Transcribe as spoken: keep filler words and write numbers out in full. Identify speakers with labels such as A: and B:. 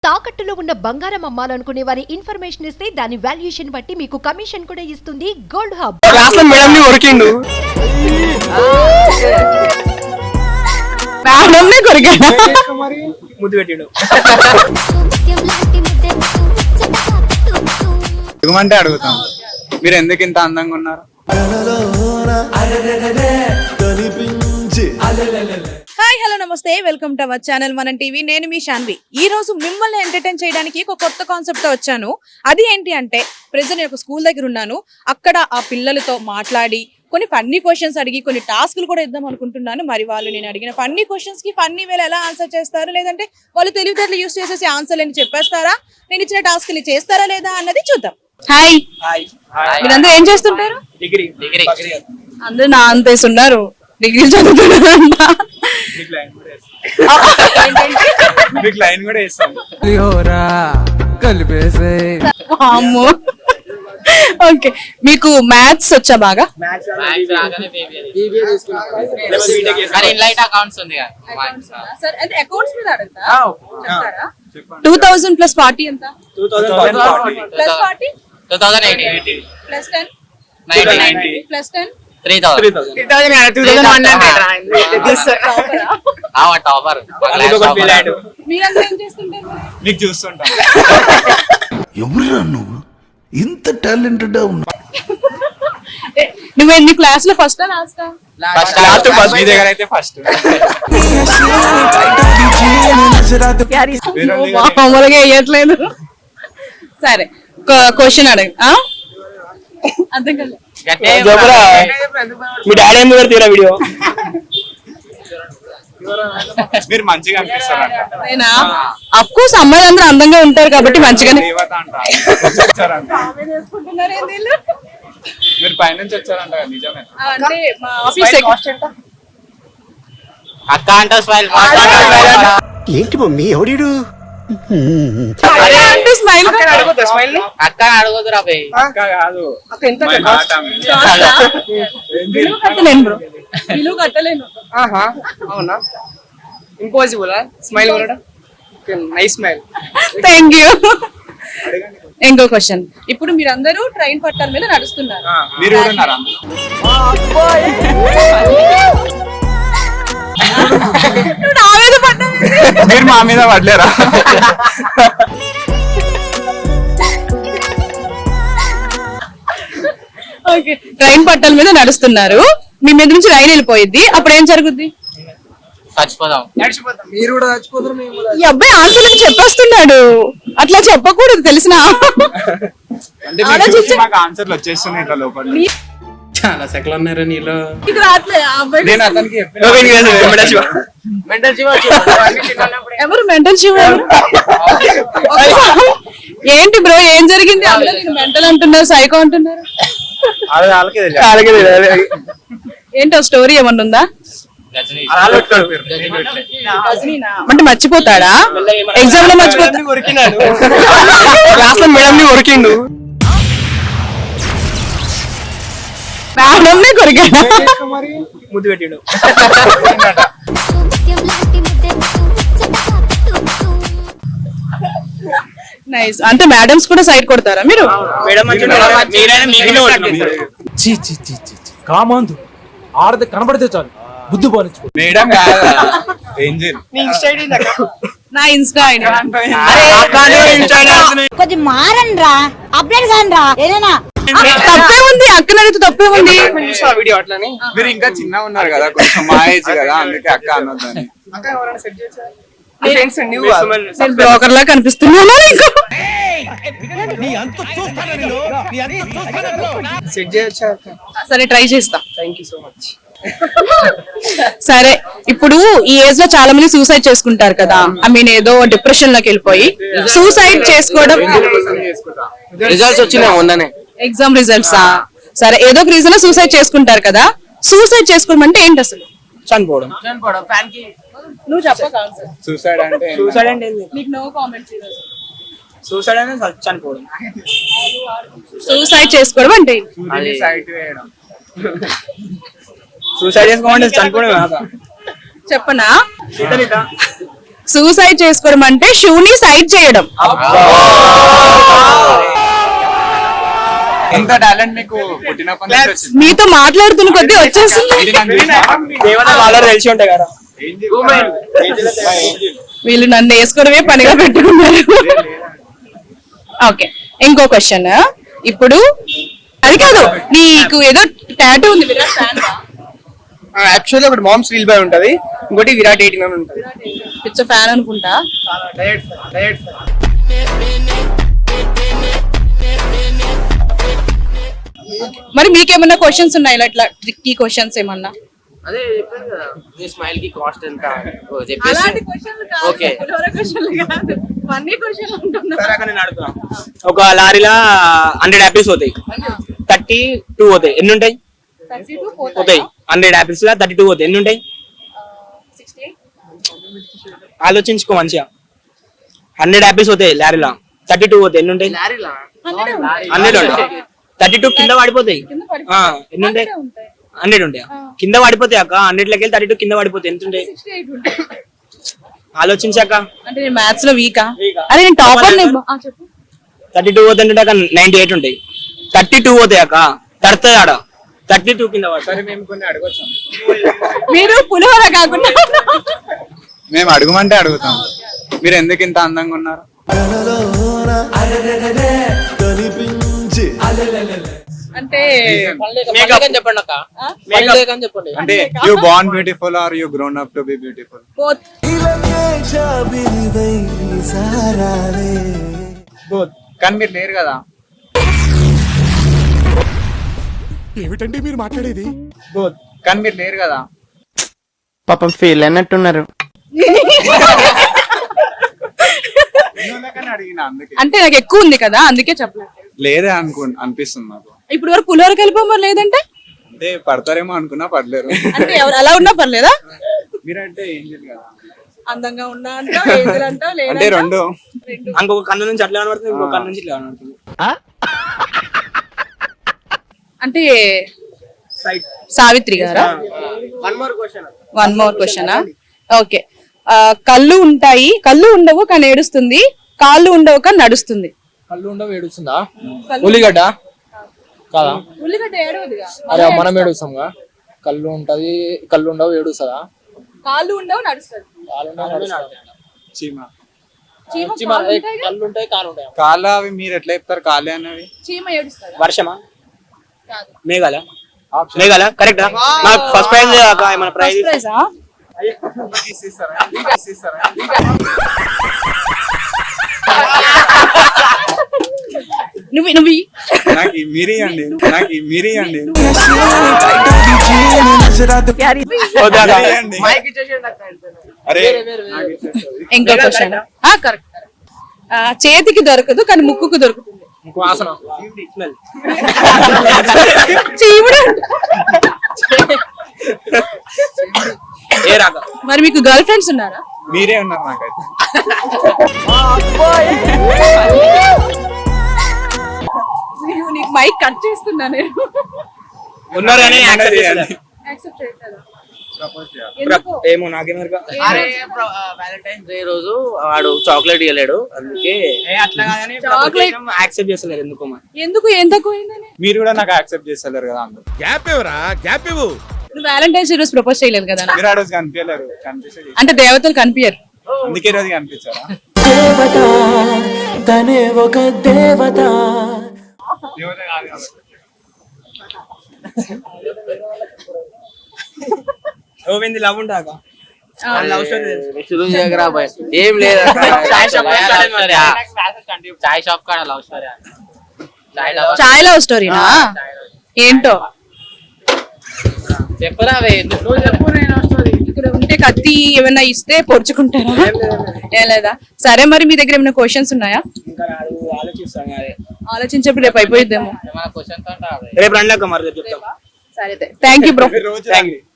A: తాకట్టులో ఉన్న బంగారం అమ్మాలనుకునే వారి ఇన్ఫర్మేషన్ ఇస్తే దాని వాల్యుయేషన్ బట్టి మీకు కమిషన్ కూడా ఇస్తుంది గోల్డ్ హబ్.
B: క్లాస్ లో మేడం ని కొరికిండు. మేడం ని కొరికిండు. మరి ముద్దు పెట్టిండు.
C: ఎగుమంటే అడుగుతాం, మీరు ఎందుకు ఇంత అందంగా ఉన్నారు?
B: హాయ్ హలో నమస్తే, welcome to our channel Manam TV. నేను మీ శాన్వి. ఈ రోజు మిమ్మల్ని ఎంటర్టైన్ చేయడానికి ఒక కొత్త కాన్సెప్ట్ తో వచ్చాను. అది ఏంటి అంటే, ప్రెజెంట్ ఒక స్కూల్ దగ్గర ఉన్నాను. అక్కడ ఆ పిల్లలతో మాట్లాడి కొన్ని ఫన్నీ క్వశ్చన్స్ అడిగి కొన్ని టాస్క్లు కూడా ఇద్దాం అనుకుంటున్నాను. మరి వాళ్ళు నేను అడిగిన ఫన్నీ క్వశ్చన్స్ కి ఫన్నీ వేళ ఎలా ఆన్సర్ చేస్తారు, లేదంటే వాళ్ళు తెలివితేటలు యూస్ చేసేసి ఆన్సర్ అని చెప్పేస్తారా, నేను ఇచ్చిన టాస్క్ ని చేస్తారా లేదా అన్నది చూద్దాం. హాయ్, మీరందరూ ఏం చేస్తుంటారు?
C: డిగ్రీ డిగ్రీ
B: అందరూ నా అంతేసి ఉన్నారు, డిగ్రీ చదువుతున్నారంట. ఓకే, మీకు మ్యాథ్స్ వచ్చా బాగా? టూ థౌసండ్ ప్లస్ ఫార్టీ ఎంత? Plus forty plus ten plus ten
C: మీకు చూస్తుంటా.
D: ఎవరురా నువ్వు ఇంత టాలెంటెడ్ ఉన్నా?
B: నువ్వు ఎన్ని క్లాస్ లో ఫస్ట్ లాస్ట్?
C: మీ దగ్గర అయితే ఫస్ట్.
B: మామూలుగా వేయట్లేదు. సరే, క్వశ్చన్ అడగ. అర్థం కాదు.
C: మీ డాడీ ఎందుకు పెడతారా వీడియో? మీరు మంచిగా అనిపిస్తారంట.
B: నేనా? అఫ్ కోర్స్ అమ్మాయిలు అందరూ అందంగా ఉంటారు కాబట్టి మంచిగానే.
C: మీరు పైనుంచి వచ్చారంట, నిజమే?
B: అంటే మా ఆఫీస్
E: అక్క అంట స్మైల్.
D: ఏంటి మమ్మీ ఎవడు?
B: స్మైల్
E: అక్క అడగదురా భయ్.
C: అక్క కాదు,
B: విలువ కట్టలేను బ్రో, విలువ కట్టలేను.
F: అవునా? ఇంపాసిబుల్ స్మైల్ కూడా. Nice smile.
B: Thank you. ఇంకో క్వశ్చన్. ఇప్పుడు మీరందరూ ట్రైన్ పట్టాల మీద నడుస్తున్నారు.
C: మీరు కూడా ఉన్నారా? మీరు మా మీద పడలేరా?
B: ఓకే, ట్రైన్ పట్టాల మీద నడుస్తున్నారు, మీ మీద నుంచి రైలు వెళ్ళిపోయింది, అప్పుడు ఏం జరుగుద్ది?
E: చచ్చిపోదాం.
F: మీరు కూడా చచ్చిపోతారు, మేము కూడా.
B: ఈ అబ్బాయి ఆన్సర్ అని చెప్పేస్తున్నాడు. అట్లా చెప్పకూడదు, తెలిసిన.
C: అంటే మీరు చూసి మాకు ఆన్సర్లు వచ్చేస్తున్నాయి ఇట్లా లోపల.
F: చాలా సెకలు ఉన్నారా నీలో?
C: నేను అతనికి
B: ఎవరు మెంటల్ శివ? ఏంటి బ్రో, ఏం జరిగింది? మెంటల్ అంటున్నారు, సైకో అంటున్నారు. ఏంటో స్టోరీ ఏమన్నా ఉందా? అంటే మర్చిపోతాడా? ఎగ్జామ్ లో మర్చిపోతాడు.
C: క్లాస్ లో మేడం ని కొరికిండు.
B: మేడం ని కొరికాడు.
F: ముద్దు పెట్టిండు.
B: నైస్. అంటే మేడమ్స్ కూడా సైడ్ కొడతారా మీరు?
G: కామాందు ఆడది కనబడితే చాలు బుద్ధి పోనిచ్చు.
C: మేడం ఏంజెల్
B: నా ఇన్స్టా ఐడి.
H: కొంచెం మారండ్రా, అప్డేట్ కానరా. ఏదైనా
B: తప్పే ఉంది, అక్కన అడిగితే తప్పే ఉంది.
F: వీడియో అట్లని.
C: మీరు ఇంకా చిన్న ఉన్నారు కదా, కొంచెం మా ఏజ్ కదా, అందుకే అక్క అనొద్దని.
B: నేను బ్రోకర్ లా కనిపిస్తున్నాను నీకు?
F: సెట్ చేయొచ్చా?
B: సరే, ట్రై చేస్తా.
F: Thank you so much.
B: సరే, ఇప్పుడు ఈ ఏజ్ లో చాలా మంది సూసైడ్ చేసుకుంటారు కదా. ఐ మీన్ ఏదో డిప్రెషన్ లోకి వెళ్ళిపోయి సూసైడ్ చేసుకోవడం.
F: రిజల్ట్స్ వచ్చినాయి మొన్ననే,
B: ఎగ్జామ్ రిజల్ట్స్. సరే, ఏదో ఒక రీజన్ సూసైడ్ చేసుకుంటారు కదా. సూసైడ్ చేసుకోవడం అంటే ఏంటి అసలు?
F: చనిపోవడం.
B: నువ్వు చెప్పక.
C: సూసైడ్ అంటే
F: సూసైడ్ అంటే
B: నీకు నో కామెంట్స్.
F: సూసైడ్ అంటే చనిపోవడం.
B: సూసైడ్ చేసుకోవడం అంటే
C: సైట్ వేయడం.
F: సూసైడ్ చేసుకోమంటే చనిపోవడం.
B: చెప్పనా? సూసైడ్ చేసుకోవడం అంటే షూని సైడ్ చేయడం.
C: ఇంత టాలెంట్ మీకు పుట్టినప్పటి నుంచి వచ్చింది.
B: మీతో మాట్లాడుతున్న కొద్దీ వచ్చేస్తుంది.
C: ఇది నాకు తెలిసిన
F: ఏమన్నా వాళ్ళ తెలిసి ఉంటాయి కదా.
B: వీళ్ళు నన్ను వేసుకోవడమే పనిగా పెట్టుకున్నారు. ఓకే, ఇంకో క్వశ్చన్. ఇప్పుడు అది కాదు, నీకు ఏదో టాటూ ఉంది, విరాట్ ఫ్యాన్.
F: యాక్చువల్లీ ఒకటి మామ్ స్టీల్ బాయ్ ఉంటది, ఇంకోటి విరాట్ ఎయిటీన్ అని ఉంటది.
B: పిచ్చ ఫ్యాన్ అనుకుంటా. మరి మీకేమన్నా క్వశ్చన్స్ ఉన్నాయి ఇలా ఇట్లా ట్రిక్కీ క్వశ్చన్స్ ఏమన్నా?
E: అదే చెప్పాను కదా, మీ స్మైల్ కి కాస్ట్ ఎంత చెప్పేసి. ఓకే.
F: ఒక లారీలా హండ్రెడ్ యాపిల్స్ పోతాయి, థర్టీ టూ పోతాయి. ఎన్ని ఉంటాయి? పోతాయి. హండ్రెడ్ యాపిల్స్ లా థర్టీ టూ పోతాయి. ఎన్ని ఉంటాయి? ఆలోచించుకో మంచిగా. హండ్రెడ్ యాపిల్స్ పోతాయి లారీలా, థర్టీ టూ పోతాయి. ఎన్ని ఉంటాయి? హండ్రెడ్ ఉంటాయి. థర్టీ టూ కింద పడిపోతాయి. ఆ, ఎన్ని ఉంటాయి? హండ్రెడ్ ఉంటాయి. కింద పడిపోతాయి అక్క. హండ్రెడ్ లకి థర్టీ టూ కింద పడిపోతాయి. ఎంత ఉంటాయి? ఆలోచించాక.
B: అంటే నేను మ్యాథ్స్ లో వీకా? అరే నేను టాపర్.
F: థర్టీ టూ పోతే అక్క నైన్టీ ఎయిట్ ఉంటాయి. థర్టీ టూ పోతాయి అక్క, తడుతుంది ఆడ. థర్టీ టూ కింద పడతారు.
C: మేము కొన్ని అడగొచ్చాం.
B: మీరు పులిహోర కాకుండా
C: మేము అడుగుమంటే అడుగుతాం. మీరు ఎందుకు ఇంత అందంగా ఉన్నారు?
B: అంటే
E: చెప్పండి అక్క, చెప్పండి.
C: అంటే you born beautiful or you grown up to be beautiful?
B: both.
C: Both. కానీ మీరు లేరు కదా.
D: ఏమిటండి మీరు మాట్లాడేది?
C: బోత్. కానీ మీరు లేరు కదా.
F: పాపం ఫీల్ అన్నట్టున్నారు.
C: అడిగిన అందుకే.
B: అంటే నాకు ఎక్కువ ఉంది కదా, అందుకే చెప్పలేదు.
C: లేదే అనుకు అనిపిస్తుంది నాకు.
B: ఇప్పుడు వరకు పులిహోర కలిపి లేదంటే
C: అంటే పడతారేమో అనుకున్నా పడలేరు.
B: అంటే ఎవరు అలా ఉన్నా పర్లేదా?
C: మీరంటే ఏం చేయదు కదా.
B: అందంగా ఉన్నా అంటావు, ఏజ్లు అంటావు, లేదా
C: అంటే రెండు.
F: ఇంకొక కన్ను నుంచి అట్లా కనబడుతుంది, ఇంకొక కన్ను నుంచి ఇట్లా కనబడుతుంది.
B: అంటే సావిత్రి గారా? One more question. ఓకే, కళ్ళు ఉంటాయి, కళ్ళు ఉండవు కానీ ఏడుస్తుంది, కాళ్ళు ఉండవు కానీ నడుస్తుంది.
G: కళ్ళు ఉండవు ఏడుస్తుందా? ఉల్లిగడ్డ కాదా?
B: ఉల్లిగడ్డ ఏడవదుగా.
G: అరే మనం ఏడుస్తాంగా. కళ్ళు ఉంటది, కళ్ళు ఉండవు ఏడుస్తుందా?
B: కాళ్ళు ఉండవు నడుస్తుంది.
G: కాళ్ళు ఉండవు నడుస్తుందా?
C: చీమ.
B: చీమ
G: చీమ,
B: కాళ్ళు
G: ఏ,
B: ఉంటాయి కదా?
G: కళ్ళు ఉంటాయి కాళ్ళు ఉంటాయి.
C: కాళ్ళ అవి మీరు ఎట్లా చెప్తారు? కాళ్ళే అనేవి.
B: చీమ ఏడుస్తుందా?
F: వర్షమా?
B: కాదు.
F: మేఘాల? మేఘాల కరెక్టా? నాకు ఫస్ట్ ప్రైజ్ మన ప్రైజ్.
B: ఫస్ట్ ప్రైజా? నువ్వు నువ్వు
C: నాకు ఈ మీరి అండి, నాకు ఈ మీరి అండి. అరే
B: ఇంకో క్వశ్చన్. కరెక్ట్. చేతికి దొరకదు కానీ ముక్కుకు దొరుకుతుంది.
F: వాసన.
B: చీముడు.
C: ఏ రాక.
B: మరి మీకు గర్ల్ ఫ్రెండ్స్ ఉన్నారా?
C: మీరే ఉన్నారు నాకైతే.
B: నీకు మైక్ కట్ చేస్తున్నా నేను.
F: ఉన్నారు కానీ యాక్సెప్ట్ చేయాలి.
B: యాక్సెప్ట్ చేయట్లేదా?
F: ఏమో నాకేమో.
E: అరే వ్యాలంటైన్స్ డే రోజు వాడు చాక్లెట్ ఇవ్వలేడు, అందుకే
B: చాక్లెట్
F: యాక్సెప్ట్ చేస్తలేరు ఎందుకో మరి.
B: ఎందుకు ఏం తక్కువైందని?
C: మీరు కూడా నాకు యాక్సెప్ట్ చేస్తలేరు కదా. అందరూ
D: గ్యాప్ ఇవ్వరా, గ్యాప్ ఇవ్వు.
B: నువ్వు వ్యాలంటైన్స్ డే రోజు ప్రపోజ్ చేయలేదు కదా?
C: మీరు ఆ రోజు కనిపించలేరు, కనిపిస్తే
B: అంటే దేవతలు కనిపించరు,
C: అందుకే ఈ రోజు కనిపించారా? దేవత కాదు కదా.
F: ఓవింది లవ్ ఉంటాక లవ్ స్టోరీ
E: ఏం లేదు. చాయ్ షాప్ కాడ లవ్ స్టోరీ.
B: చాయ్ లవ్ స్టోరీనా? ఏంటో
E: చెప్పరా?
B: ఇక్కడ ఉంటే కత్తి ఏమైనా ఇస్తే పొడుచుకుంటారా? ఏం లేదా? సరే, మరి మీ దగ్గర ఏమైనా క్వశ్చన్స్ ఉన్నాయా?
F: ఇంకా రాదు, ఆలోచిస్తాను. అదే
B: ఆలోచించేప్పుడు రేపు అయిపోయిద్దేమో.
F: రేపు రండి అక్క, మరి రేపు చెప్తాం.
B: సరే, థ్యాంక్ యూ బ్రో.
C: రోజు
F: థ్యాంక్ యూ.